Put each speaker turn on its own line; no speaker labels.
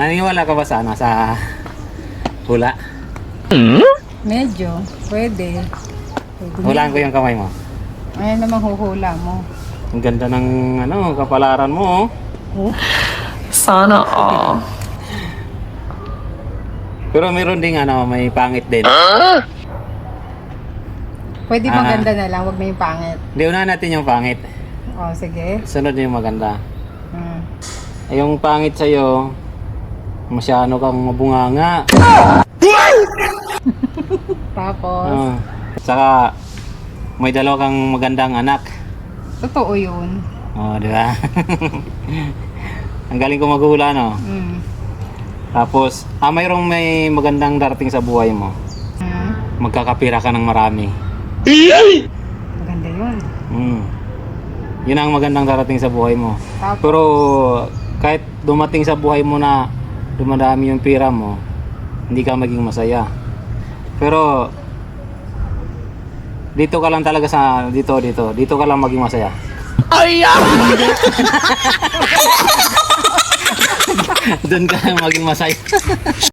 Naniniwala ka ba sa ano, sa hula?
Medyo. Pwede.
Hulaan ko yung kamay mo.
Ayan naman huhula mo.
Ang ganda ng ano, kapalaran mo. Oh.
Sana all.
Pero meron ding ano, may pangit din.
Pwede maganda na lang, wag na yung pangit.
Hindi, unahan natin yung pangit.
O, sige.
Sunod yung maganda.
Hmm.
Ay, yung pangit sa'yo, masyado kang mabunganga.
Tapos,
Saka, may dalawa kang magandang anak.
totoo yun.
Oh, di ba? Ang galing ko maghula, no?
Hmm.
Tapos, mayroong may magandang darating sa buhay mo.
Hmm.
Magkakapira ka ng marami.
Maganda yun.
Yun ang magandang darating sa buhay mo.
Tapos,
Pero, kahit dumating sa buhay mo na dumadami yung pira mo, hindi ka maging masaya. Pero, dito ka lang talaga sa, dito ka lang maging masaya. Doon ka lang maging masaya.